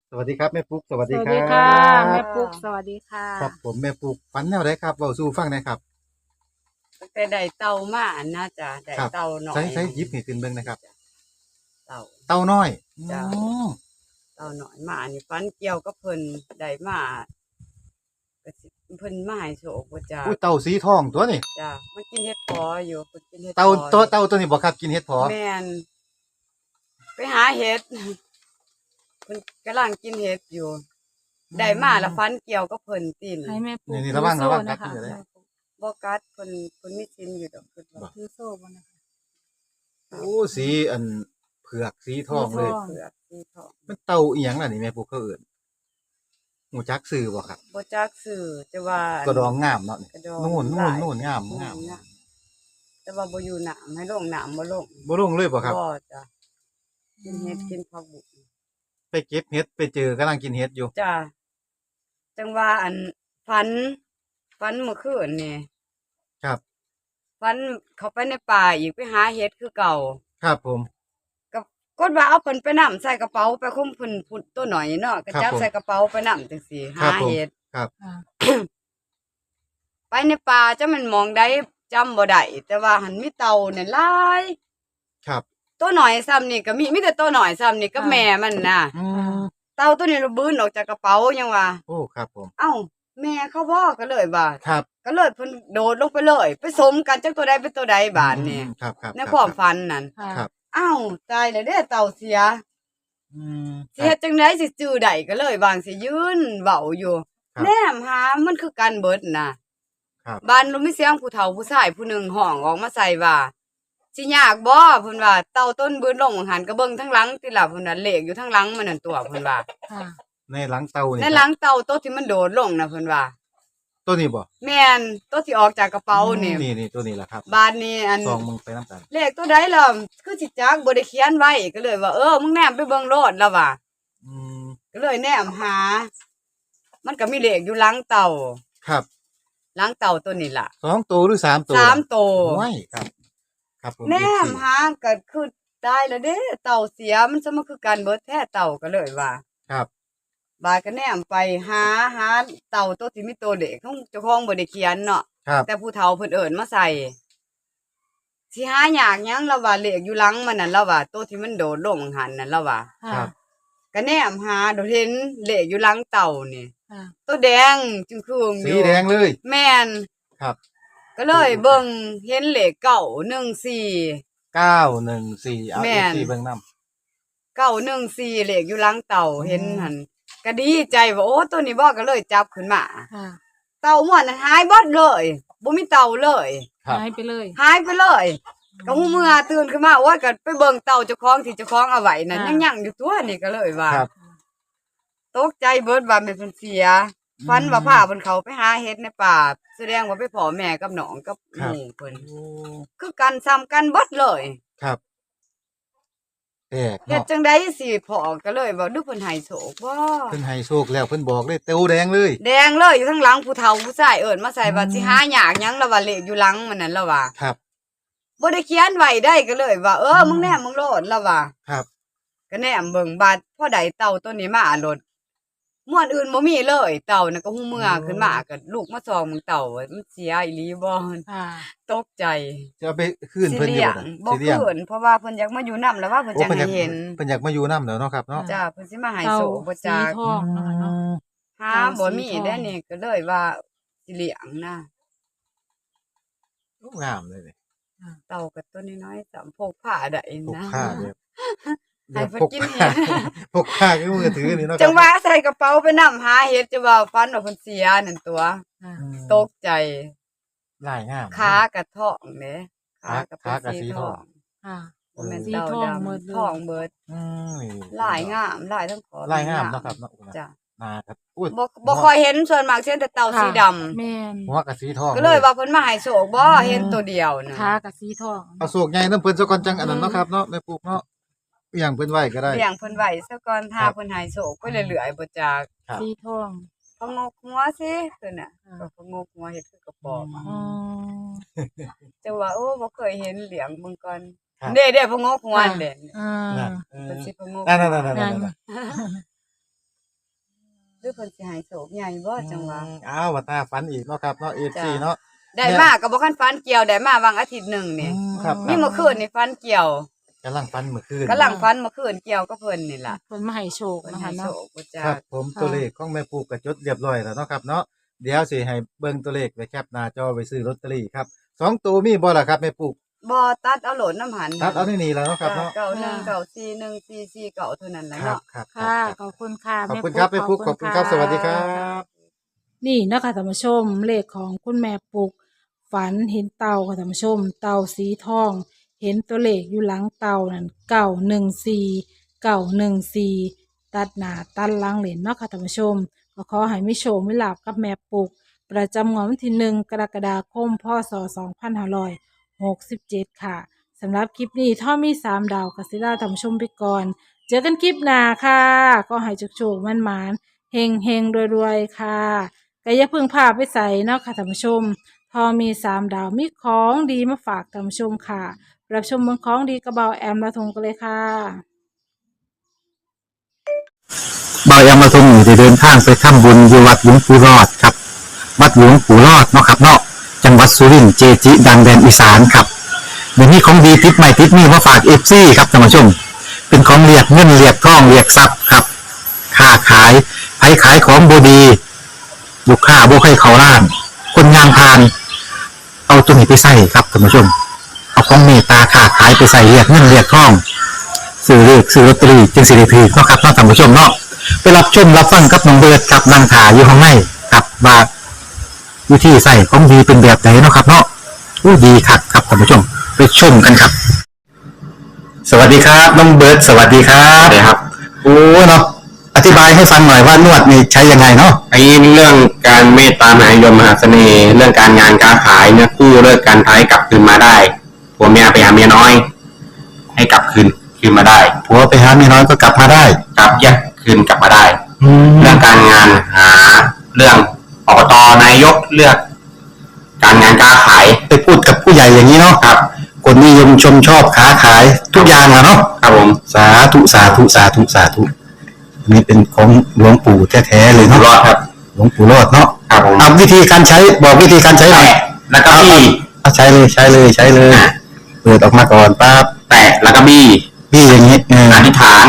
สวัสดีครับแม่ปุ๊กสวัสสดีครัวัสดีค่ะแม่บปุ๊กสวัสดีค่ะครับผมแม่ปุ๊กฝันแนวไหนครับเว้าสู่ฟังหน่อยครับตั้งแต่ได้เต่ามานะจ้ะได้ครับเต่าหน่อใช้ยใช้หยิบให้ขึ้นเบิ่งนะครับเต่าเต้าน้อยจ้ะเต่าหน่อยมานี่ฟันเกี่ยวกับเพิ่นได้มาก็สิเพิ่นมาให้โชคบ่จ้ะอุ้ยเต่าสีทองตัวนี้จ้ะมันกินเห็ดพออยู่เพิ่นกินเห็ดพเต่าอตัวนี้บ่ครับกินเห็ดผอแม่นไปหาเห็ดเพิ่นกำลังกินเห็ดอยู่ได้มาแล้วฟันเกี่ยวกับเพิ่นตินให้แม่ปุ๊กนี่ถือระวังโซ่กัดนะคะนี่เด้อบ่กัดเพิ่นมีศีลอยู่ดอกเพิ่นว่าถือโซ่บนนะคะโอ้สีอันเผือกสีทองเลยสีทองเผือกสีทองมันเต่าอีหยังล่ะนี่แม่ปุ๊กเขาเอิ้นหูจักชื่อบ่ครับบ่จักชื่อแต่ว่ากระดองงามเนาะนี่กระดองนู่นหลายงามแต่ว่าบ่อยู่น้ำให้ลงน้ำบ่ลงบ่ลงเลยบ่ครับบ่จ้ะกินเห็ดกินผักบุ้งไปเก็บเห็ดไปเจอกำลังกินเห็ดอยู่จ้ะจังว่าอันฝันเมื่อคืนนี่ครับฝันเขาไปในป่าอีกไปหาเห็ดคือเก่าครับผมกับกดว่าเอาเพิ่นไปนํใส่กระเป๋าไปคุมเพิ่นพุดตัวหน่อยเนาะก็ครับจับผมใส่กระเป๋าไปนํจังซี่ครัหาบผมเห็ดครับค่ะไปในป่าจะมันมองได้จำบ่ได้แต่ว่าหันมีเต่าเนี่ยหลายครับตัวหน่อยซ้ำนี่ก็มีแต่ตัวหน่อยซ้ำนี่กับแม่มันน่ะอืมเต่าตัวนี้ระบื้นออกจากกระเป๋ายังว่าโอ้ครับผมเอ้าแม่เขาบ่ก็เลยว่าครับก็เลยเพิ่นโดดลงไปเลย ไปสมกันจักตัวใดเป็นตัวใดบาดนี่ครับในความฝันนั่นค่ะครับอ้าวตายแล้วเด้อเต่าเสียอืมสิเฮ็ดจังได๋สิจื้อได้ก็เลยบางสิยืนเว้าอยู่ครับแนมหามันคือกันเบิดน่ะครับบ้านเรามีเสียงผู้เฒ่าผู้ชายผู้หนึงห้องออกมาใส่ว่าสิยากบ่เพิ่นว่าเต่าต้นบืนลงหันก็เบิ่งทั้งหลังติล่ะเพิ่นน่ะเลขอยู่ทั้งหลังมันนั่นตัวเพิ่นว่าค่ะในหลังเตานี่ในหลังเต่าตัวที่มันโดดลงน่ะเพิ่นว่าตัวนี้บ่แม่นตัวที่ออกจากกระเป๋านี่นี่ตัวนี้แหละครับบ้านนี้อันซองมึงไปน้ำกันเลขตัวใดล่ะคือสิจักบ่ได้เขียนไว้ก็เลยว่ามึงแนมไปเบิ่งโลดแล้วว่าอืมก็เลยแนมหา มันก็มีเลขอยู่หลังเต่าครับหลังเต่าตัวนี้ล่ะ 2ตัวหรือ3ตัว 3ตัวโอ้ยครับ ครับผมแนม 14 หาก็คือตายแล้วเด้เต่าเสียมันจะมาคือกันเบิดแท้เต่าก็เลยว่าครับบายก็แนมไปหาเต่าตัวที่มีตัวเลขของเจ้าของบ่ได้เขียนเนาะครับแต่ผู้เฒ่าเพิ่นเอิ้นมาใส่สิหายากหยังแล้วว่าเลขอยู่หลังมันนั่นแล้วว่าตัวที่มันโดดลงหันนั่นแล้วว่าครัค่ะบก็แนมหาโดดเห็นเลขอยู่หลังเต่านี่ค่ะตัวแดงจึงคืองอสียู่แดงเลยแม่นครับก็เลยเบิ่งเห็นเลขเก้าหนึ่งสี่ 914เอาแม่น 14เบิ่งนำเก้าหนึ่งสี่เลขอยู่หลังเต่าเห็นหันก็ดีใจว่าโอ้ตัวนี้บ่ก็เลยจับขึ้นมาค่ะเต่าม่วนนั้นหายเบิดเลยบ่มีเต่าเลยครับหายไปเลยหายไปเลยก็หูเมื่อตื่นขึ้นมาโอ้ยก็ไปเบิ่งเต่าเจ้าของที่เจ้าของเอาไว้นั่นยังอยู่ตัวนี่ก็เลยว่าครับตกใจเบิดว่าแม่เพิ่นเสียฝันว่าพาเพิ่นเขาไปหาเฮ็ดในป่าแสดงว่าไปพ่อแม่กับน้องกับหมู่เพิ่นโอ้คือกันซ้ำกันเบิดเลยครับแปลกเฮ็ดเนาะจังได๋สิพ่อก็เลยว่าดูเพิ่นให้โชคบ่เพิ่นให้โชคแล้วเพิ่นบอกเลยเตวแดงเลยแดงเลยอยู่ทั้งหลังผู้เฒ่าผู้ชายเอิ้นมาใส่ว่าสิหายากหยังแล้วว่าเลขอยู่หลังมันนั่นแล้วว่าครับบ่ได้เขียนไว้ได้ก็เลยว่ามึงแนมมึงโลดแล้วว่าครับก็แนมเบิ่งบาดพอใดเต่าตัวนี้มาโลดม่วนอื่นบ่มีเลยเต่าน่ะก็หูเมื่อขึ้นมาก็ลูกมาส่องมึงเต่าว่ามันเสียอีหลีบ่ค่ะตกใจจะเอาไปคืนสิเพิ่นอเลี้ยู่ยงบ่บ่สิเลี้ยงคืนเพราะว่าเพิ่นอยากมาอยู่นํแล้วว่าเพิ่นโอ้จะเพิ่นอยากให้เห็นเพิ่นอยากมาอยู่นำแล้วเนาะครับเนาะจ้าเพิ่นสิมาให้เต่าโศกบ่สีจักทองเนาะค่ะเนาะหาบ่มีได้นี่ก็เลยว่าสิเลี้ยงนะโอ้งามเลยนี่เต่าก็ตัวน้อยๆสามพกผ้าได้พกนะผ้าแบบให้เพิ่นพกกินผ้าเห็ดพกผ้าคือมือถือนี่เนาะครับจังว่าใส่กระเป๋าไปนํหาเห็ดจะว่าฟันว่าเพิ่นเสียนั่นตัวค่ะอืมตกใจลายงามขากระทองเด้ขาก็ขาก็เป็นสีสีททออง งค่ะบ่แม่นสีเต่าทองดำหมดเลยทองเบิดอืมนี่ลายงามลายทั้งขอลายงามเนาะครับเนาะจ้ะนาครับอุ้ยบ่ค่อยเห็นส่วนมากเห็นแต่เต่าสีดำแม่นหัวกับสีทองก็เลยว่าเพิ่นมาให้โชคบ่เห็นตัวเดียวนะขากับสีทองเอาโศกใหญ่น้ำเพิ่นซะก่อนจังอันนั้นเนาะครับเนาะแม่ปลูกเนาะอหย่างเพิ่นไว้ก็ได้เลี้ยงเพิ่นไว้ซะก่อนถ้าครับเพิ่นให้โชคไปเรื่อยๆบ่จักครับสีทองพะงกหัวสิเพิ่นน่ะค่ะก็พะงกหัวเฮ็ดคือกระป๋อมอะอ๋อแต่ว่าบ่เคยเห็นเลี้ยงเบิ่งก่อนครับเด้ๆพะงกหัวนั่นเด้อ่านั่นเพิ่นสิพะงกนั่นนั่นๆๆรือเพิ่นสิให้โชคใหญ่บ่จังหวะอ้าวว่าตาฝันอีกเนาะครับเนาะ FC เนาะได้มาก็บ่คันฝันเกี่ยวได้มาวางอาทิตย์หนึงนี่ครับมีเมื่อคืนนี่ฝันเกี่ยวกำลังฝันเมื่อคืนกำลังฝันเมื่อคืนเกี่ยวกับเพิ่นนี่ล่ะเพิ่นมาให้โชคเพิ่นนะให้คะโชเนาะคบ่จ้าครับผมตัวเลขของแม่ปูก็จดเรียบร้อยแล้วเนาะครับเนาะเดี๋ยวสิให้เบิ่งตัวเลขไว้แคปหน้าจอไว้ซื้อลอตเตอรี่ครับ2ตัวมีบ่ล่ะครับแม่ปูบ่ตัดเอาโหลดน้ำหันตัดเอานี่แล้วเนาะครับเนาะเก้าหนึ่งเก้าสี่หนึ่งสี่สี่เก้าเท่านั้นแหละครับเนาะครับค่ะ ขอบคุณค่ะขอบคุณครับแม่ปูขอบคุณครับสวัสดีครับนี่นะคะท่านผู้ชมเลขของคุณแม่ปุก ฝันเห็นเต่าค่ะท่านผู้ชม เต่าสีทอง เห็นตัวเลขอยู่หลังเต่านั่น914ตัดหน้าตัดหลังเหรียญเนาะค่ะท่านผู้ชมก็ขอให้มิโชคมิลาบกับแม่ปุก ประจำงวดวันที่1 กรกฎาคม พศ 2567 ค่ะสำหรับคลิปนี้ถ้ามี3 ดาวกัสิลาท่านผู้ชมไปก่อน เจอกันคลิปหน้าค่ะ ก็ให้โชคๆมันๆเฮงๆรวยๆค่ะก็อย่าเพึ่งพาไปใส่เนาะค่ะท่านผู้ชม พอมี3 ดาวมีของดีมาฝากท่านผู้ชมค่ะ รับชมเมืองของดีกระเบาแอมละทงกันเลยค่ะบายามาทรงอยู่ได้เดินทางไปทำบุญอยู่วัดหลวงปู่รอดครับ วัดหลวงปู่รอดเนาะครับเนาะจังหวัดสุรินทร์เจจิ ดังแดนอีสานครับเดี๋ยวนี้ของดีติดใหม่ติดนี่มาฝากเอฟซีครับท่านผู้ชม เป็นของเรียกเงินเรียกทองเรียกทรัพย์ครับค้าขายไผขายของบดีลูกค้าบ่ให้เขาล้าน คนงานพาน เอาตัวนี้ไปใส่ครับท่านผู้ชม เอาของเมตตาค้าขายไปใส่เรียกเงินเรียกทองซื้อเลขซื้อลอตเตอรี่จึงสิริพีเนาะครับเนาะท่านผู้ชมเนาะไปรับชมรับฟังกับน้องเบิร์ดกับนางถาอยู่ข้างในกับว่าวิธีใส่ของดีเป็นแบบไหนเนาะครับเนาะอู้ดีคักครับท่านผู้ชมไปชมกันครับ สวัสดีครับน้องเบิร์ดสวัสดีครับสวัสดีครับโอ้เนาะอธิบายให้ฟังหน่อยว่านวดนี่ใช้ยังไงเนาะไอ้เรื่องการเมตตามหานิยมมหาเสน่ห์ เรื่องการงานการขายเนี่ยคู่เลิกการท้ายกลับคืนมาได้ผัวเมียไปหาเมียน้อย ให้กลับคืนมาได้ผัวไปหาเมียน้อยก็กลับมาได้กลับแยกคืนกลับมาได้แล้เรื่วองการงานหาเรื่องอบตนายกเลือก การงานการขายไปพูดกับผู้ใหญ่อย่างนี้เนาะครับคนนิยมชมชอบค้าขายทุกอย่างอะเนาะครับผมสาธุสาธุสาธุสาธุอันนี้เป็นของหลวงปู่แท้ๆเลยอยู่เนาะรอดครับหลวงปู่รอดเนาะครับผมเอาวิธีการใช้บอกวิธีการใช้หน่อยแตะแล้วก็บี้เอาใช้เลยใช้เลยใช้เลยเปิดออกมาก่อนปั๊บแตะแล้วก็บี้พี่อย่างนี้อธิษฐาน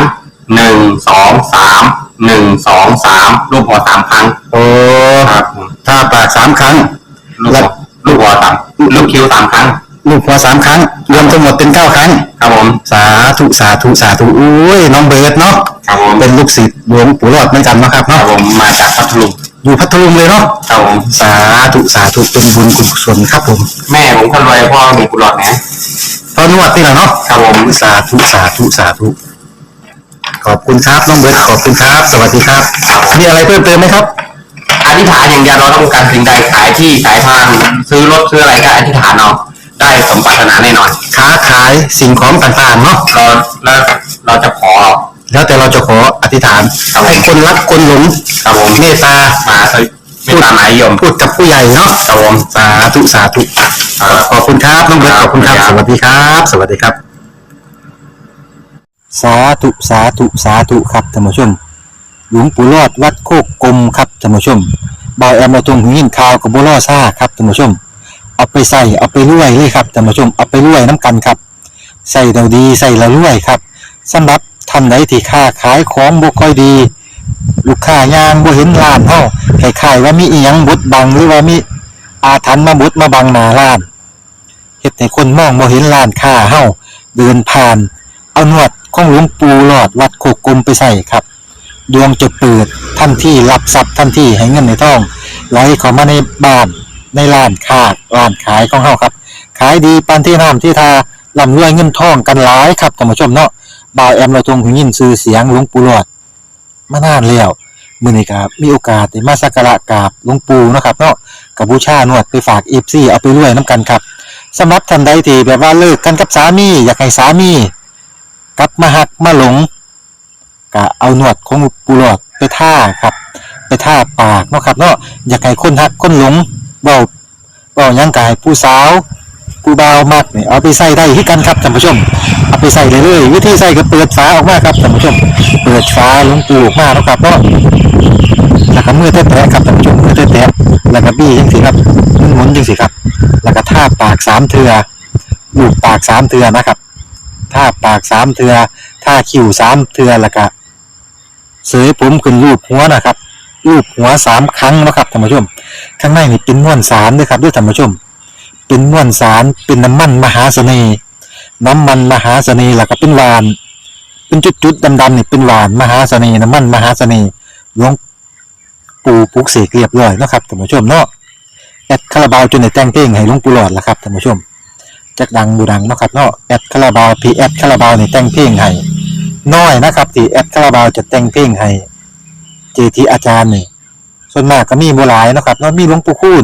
1 2 3 1 2 3รูปหัว3ครั้งโอ้ครับผมถ้าปากสามครั้งลูกหัวสามลูกคิ้ว3ครั้งลูกหัวสามครั้ง รวมทั้งหมดเป็น9 ครั้งครับผมสาธุสาธุสาธุอุ้ยน้องเบิร์ดเนาะครับผมเป็นลูกศิษย์หลวงปู่รอดเหมือนกันเนาะครับครับเนาะผมมาจากพัทลุงอยู่พัทลุงเลยเนาะครับผมสาธุสาธุเป็นบุญกุศลครับผมแม่ผมคนรวยพ่อมีกุหลาบนะตอนนวดนี่แหละเนาะครับผมสาธุสาธุสาธุขอบคุณครับน้องเบิร์ตขอบคุณครับ สวัสดีครับมีอะไรเพิ่มเติมไหมครับอธิษฐานอย่างเดียวเราต้องการสิ่งใดขายที่ขายทางซื้อรถซื้ออะไรก็อธิษฐานเอาได้สมปรารถนาแน่นอนค้าขายสิ่งของต่างๆเนาะเราจะขอแล้วแต่เราจะขออธิษฐานให้คนรักคนหลงครับผมเมตตามาไม่ตามหมายยมพูดกับผู้ใหญ่เนาะครับผมสาธุสาธุขอบคุณครับน้องเบิร์ตขอบคุณครับ สวัสดีครับ สวัสดีครับ สาธุสาธุสาธุครับท่านผู้ชม หลวงปู่รอดวัดโคกกลมครับท่านผู้ชมบอยแอมมาตรงหินข่าวกับบัวล่อซ่าครับท่านผู้ชมเอาไปใส่เอาไปรวยเลยครับท่านผู้ชมเอาไปรวยน้ำกันครับใส่เราดีใส่เรารวยครับสำหรับท่านใดที่ค้าขายของบ่ค่อยดี ลูกค้ายางบ่เห็นร้านเฮาคล้ายๆว่ามีอีหยังบดบังหรือว่ามีอาถรรพ์มาบดมาบังหน้าร้านเฮ็ดให้คนมองบ่เห็นร้านค้าเฮาเดินผ่านเอาหนวดของหลวงปู่หลอดวัดโคกกลมไปใส่ครับดวงจะเปิดทันทีรับทรัพย์ทันทีให้เงินในท้องไหลเข้ามาในบ้านในร้านค้าร้านขายของเฮาครับขายดีปานที่น้ำที่ทาร่ำรวยเงินทองกันหลายครับท่านผู้ชมเนาะบ่าวแอมเราทรงหูยินชื่อเสียงหลวงปู่หลอดมานานแล้วมื้อนี้ก็มีโอกาสได้มาสักการะกราบหลวงปู่เนาะครับเนาะก็บูชานวดไปฝาก FC เอาไปรวยนํกันครับสำหรับท่านใดที่แบบว่าเลิกกันกับสามีอยากให้สามีกลับมาหักมาหลงก็เอาหนวดของปูหลอดไปท่าครับไปท่าปากเนาะครับเนาะอยากให้คนหักคนหลงเว้าหยังกายผู้สาวผู้บ่าวมักนี่เอาไปใส่ได้ที่กันครับท่านผู้ชมเอาไปใส่เลยเลยวิธีใส่ก็เปิดฝาออกมาครับท่านผู้ชมเปิดฝาหลวงปู่ออกมาเนาะครับเนาะแล้วก็มือแตะๆครับท่านผู้ชมมือแตะๆแล้วก็บี้จังซี่ครับหมุนจังซี่ครับแล้วก็ท่าปาก3เทื่อลูบปาก3เทื่อนะครับท่าปาก3เทื่อท่าคิ้ว3เทื่อแล้วก็เสยผมขึ้นรูปหัวนะครับรูปหัว3ครั้งนะครับท่านผู้ชมข้างในนี่เป็นม้วนสารด้วยครับด้วยท่านผู้ชมเป็นม้วนสารเป็นน้ำมันมหาเสน่ห์น้ำมันมหาเสน่ห์แล้วก็เป็นหวานเป็นจุดๆดำๆนี่เป็นหวานมหาเสน่ห์น้ำมันมหาเสน่ห์หลวงปู่ปลุกเสกเรียบร้อยเนาะครับท่านผู้ชมเนาะแอดคาราบาวจนได้แต่งเพลงให้หลวงปู่หลอดแล้วครับท่านผู้ชมจักดังบูดังเนาะครับเนาะแอดคาราบาวพีแอดคาราบาวนี่แต่งเพลงให้น้อยนะครับที่แอดคาราบาวจะแต่งเพลงให้เจทีอาจารย์นี่ส่วนมากก็มีบ่หลายเนาะครับเนาะมีหลวงปู่คูณ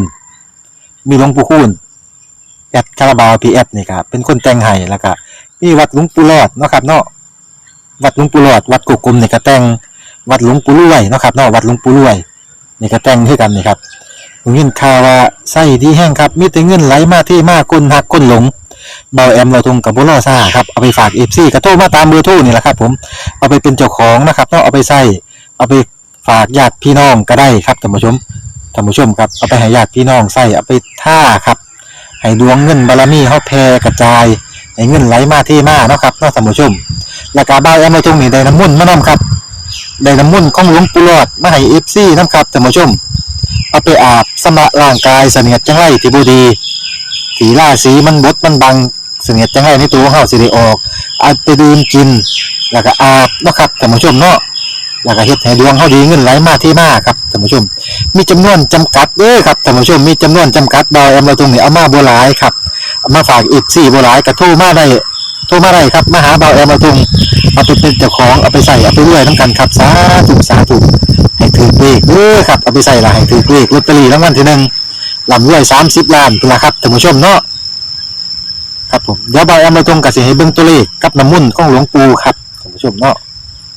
แอดคาราบาวพีแอดนี่ครับเป็นคนแต่งให้แล้วก็มีวัดหลวงปู่หลอดเนาะครับเนาะวัดหลวงปู่หลอดวัดกุกกลมนี่ก็แต่งวัดหลวงปู่รวยเนาะครับเนาะวัดหลวงปู่รวยนี่ก็แต่งให้กันนี่ครับผมยินข่าวว่าไส้ดีแห้งครับมีแต่เงินไหลมาที่มาคนหักคนหลงเบาแอมเราทงกับบุรอซ่าครับเอาไปฝากเอฟซีกระโทรมาตามเบอร์โทรนี่แหละครับผมเอาไปเป็นเจ้าของนะครับเนาะเอาไปใส่เอาไปฝากญาติพี่น้องก็ได้ครับท่านผู้ชมครับเอาไปให้ญาติพี่น้องใส่เอาไปท่าครับให้ดวงเงินบารมีเฮาแผ่กระจายให้เงินไหลมาที่มาเนาะครับเนาะท่านผู้ชมแล้วก็เบาแอมเราทงนี่ได้น้ำมนต์มานํครับได้น้ำมนต์ของหลวงปู่หลอดมาให้ FC นำครับท่านผู้ชมเอาไปอาบสำระร่างกายเสนียดจังไรที่บ่ดีสีราสีมันบดมันบังเสนียดจังไรในตัวของเฮาสิได้ออกเอาไปดื่มกินแล้วก็อาบเนาะครับท่านผู้ชมเนาะแล้วก็เฮ็ดให้ดวงเฮาดีเงินไหลมาที่มาครับท่านผู้ชมมีจำนวนจำกัดเด้อครับท่านผู้ชมมีจำนวนจำกัดดอยเราตรงนี้เอามาบ่หลายครับเอามาฝากอีก4บ่หลายก็โทรมาได้ครับมาหาเบาแอมเราตรงเอาไปเป็นเจ้าของเอาไปใส่เอาไปรวยนำกันครับสาธุให้ถือเลขเด้อครับเอาไปใส่ละให้ถือเลขลอตเตอรี่รางวัลที่1ลำรวย30ล้านพุ่นล่ะครับท่านผู้ชมเนาะครับผมเดี๋ยวเบาแอมเราตรงก็สิให้เบิ่งตัวเลขกับน้ำมนต์ของหลวงปู่ครับท่านผู้ชมเนาะ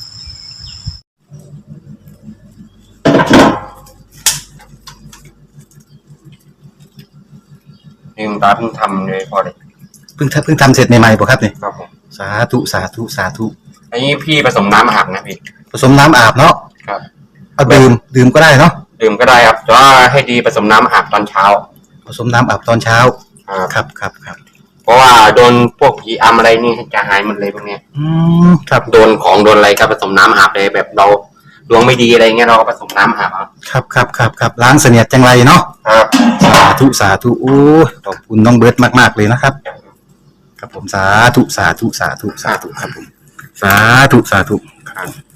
นี่คุณตาเพิ่งทำเลยพอเลยเพิ่งทำเสร็จใหม่ๆป่ะครับเนี่ยครับผมสาธุอันนี้พี่ผสมน้ำอาบนะพี่ผสมน้ำอาบเนาะครับเอาดื่มก็ได้เนาะดื่มก็ได้ครับแต่ว่าให้ดีผสมน้ำอาบตอนเช้าผสมน้ำอาบตอนเช้าครับครับเพราะว่าโดนพวกผีอำอะไรนี่จะหายหมดเลยพวกเนี้ยครับโดนของโดนอะไรก็ผสมน้ำอาบเลยแบบเราดวงไม่ดีอะไรเงี้ยเราก็ผสมน้ำอาบครับล้างเสนียดจังไรเนาะครับสาธุโอ้ขอบคุณน้องเบิร์ตมากๆเลยนะครับครับผมสาธุครับผมสาธุ